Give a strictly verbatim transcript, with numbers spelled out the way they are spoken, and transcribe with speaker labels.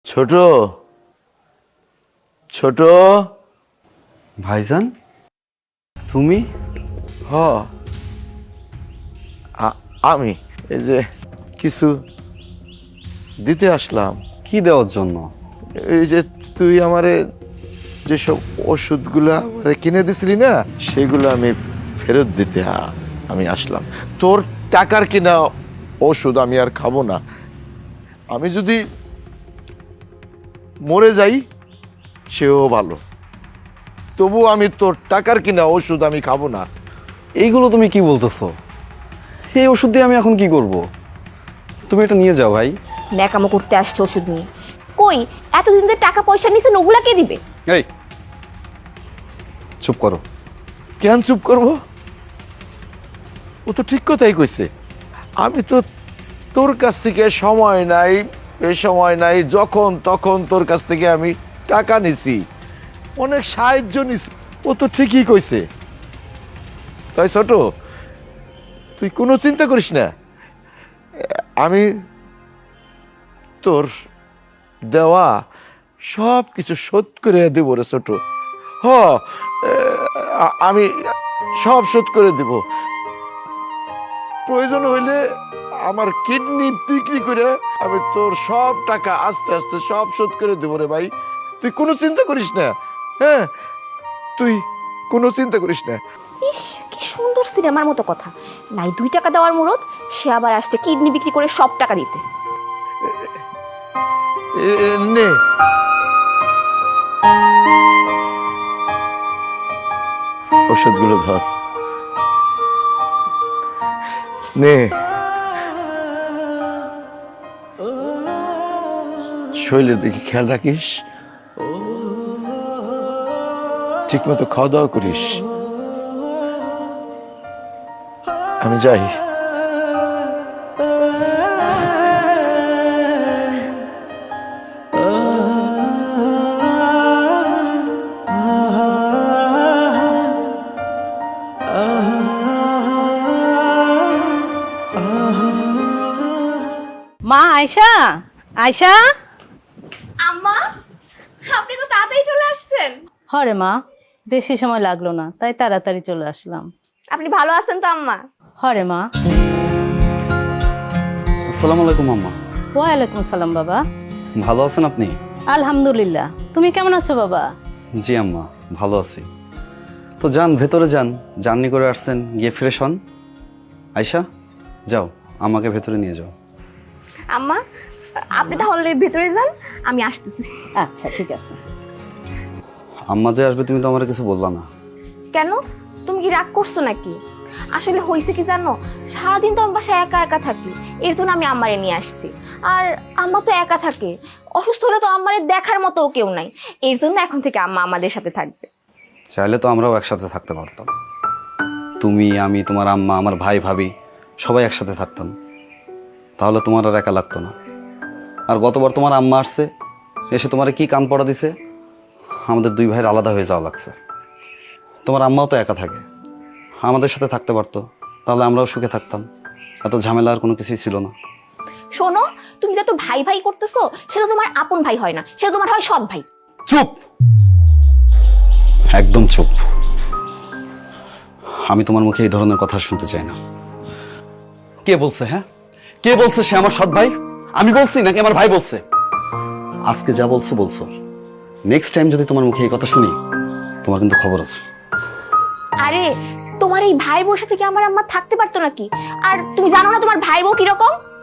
Speaker 1: ছোট ছোট
Speaker 2: ভাইজান তুমি?
Speaker 1: হ আ- আমি এই যে কিছু দিতে আসলাম।
Speaker 2: কি দেওয়ার জন্য?
Speaker 1: এই যে তুই আমারে যেসব ওষুধগুলো আমারে কিনে দিছিলি না, সেগুলো আমি ফেরত দিতে আ- আমি আসলাম। তোর টাকার কিনা ওষুধ আমি আর খাবো না। আমি যদি মরে যাই সেও ভালো, তবু আমি তোর টাকার কিনা ওষুধ আমি খাবো না।
Speaker 2: এইগুলো তুমি কি বলতেছো? এই ওষুধ দিয়ে আমি এখন কি করব? তুমি এটা নিয়ে যাও ভাই।
Speaker 3: ন্যাকামো করতে আসছে ওষুধ নিয়ে। কই এতদিন ধরে টাকা পয়সা নিছেন, ওগুলা কে দিবে?
Speaker 2: এই চুপ করো।
Speaker 1: কেন চুপ করবো? ও তো ঠিক কথাই কইছে। আমি তো তোর কাছ থেকে সময় নাই, এ সময় নাই, যখন তখন তোর কাছ থেকে আমি টাকা নিছি, অনেক সাহায্য নিছি। ও তো ঠিকই কইছে। তাই ছোট, তুই কোনো চিন্তা করিস না। আমি তোর দেওয়া সব কিছু শোধ করে দেবো রে ছোট। হ, আ- আমি সব শোধ করে দেব। প্রয়োজন হইলে আমার কিডনি বিক্রি করে আমি তোর সব টাকা আস্তে আস্তে সব শোধ করে দেবো রে ভাই। তুই কোনো চিন্তা করিস না। হ্যাঁ, তুই কোনো চিন্তা করিস না।
Speaker 3: ইস, কি সুন্দর সিনেমার মতো কথা। নাই দুই টাকা দেওয়ার মুরত, সে আবার আসছে কিডনি বিক্রি করে সব টাকা দিতে।
Speaker 1: এ- এ, নে ওষুধগুলো ধর, নে। শরীরের দিকে খেয়াল রাখিস, ঠিক মতো খাওয়া দাওয়া করিস। আমি যাই।
Speaker 4: মা আয়শা, আয়শা।
Speaker 3: আম্মা, আপনি তো তাড়াতাড়ি চলে আসছেন।
Speaker 4: হরে মা, বেশি সময় লাগলো না, তাই তাড়াতাড়ি চলে আসলাম।
Speaker 3: আপনি ভালো আছেন তো আম্মা?
Speaker 4: হরে মা।
Speaker 2: আসসালামু আলাইকুম আম্মা।
Speaker 4: ওয়ালাইকুম সালাম বাবা।
Speaker 2: ভালো আছেন আপনি?
Speaker 4: আলহামদুলিল্লাহ, তুমি কেমন আছো বাবা?
Speaker 2: জি আম্মা, ভালো আছি। তো যান, ভেতরে যান, জার্নি করে আসছেন, গিয়ে ফ্রেশ হন। আয়শা যাও, আমাকে ভেতরে নিয়ে যাও।
Speaker 3: আম্মা, আপনি তাহলে ভিতরে যান, আমি আসতেছি।
Speaker 4: আচ্ছা ঠিক আছে।
Speaker 2: আম্মা যে আসবে তুমি তো আমার কিছু বললা না।
Speaker 3: কেন, তুমি কি রাগ করছো নাকি? আসলে হয়েছে কি জানো, সারাদিন তো আমি বাসায় একা একা থাকি, এর জন্য আমি আম্মারে নিয়ে আসছি। আর আম্মা তো একা থাকে, অসুস্থ হলে তো আম্মারে দেখার মতো কেউ নাই, এর জন্য এখন থেকে আম্মা আমাদের সাথে থাকবে।
Speaker 2: চাইলে তো আমরাও একসাথে থাকতে পারতাম। তুমি, আমি, তোমার আম্মা, আমার ভাই ভাবি সবাই একসাথে থাকতাম, তাহলে তোমার আর একা লাগতো না। আর গতবার তোমার আম্মা আসছে, এসে তোমার কি কান পড়া দিছে, আমাদের দুই ভাইয়ের আলাদা হয়ে যাওয়া লাগছে। তোমার আম্মাও তো একা থাকে, আমাদের সাথে থাকতে পারতো, তাহলে আমরাও সুখে থাকতাম, এত ঝামেলা আর কোনো কিছুই ছিল না।
Speaker 3: শোনো, তুমি যত ভাই ভাই করতেছো, সেটা তোমার আপন ভাই হয় না, সেটা তোমার হয় সৎ ভাই।
Speaker 2: চুপ, একদম চুপ। আমি তোমার মুখে এই ধরনের কথা শুনতে চাই না। কে বলছে? হ্যাঁ, কে বলছে সে আমার সৎ ভাই? আমি বলছি নাকি আমার ভাই বলছে? আজকে যা বলছো বলছো, নেক্সট টাইম যদি তোমার মুখে এই কথা শুনি, তোমার কিন্তু খবর আছে।
Speaker 3: আরে, তোমার এই ভাইয়ের বউর সাথে কি আমার আম্মা থাকতে পারতো নাকি? আর তুমি জানো না তোমার ভাইয়ের বউ কিরকম?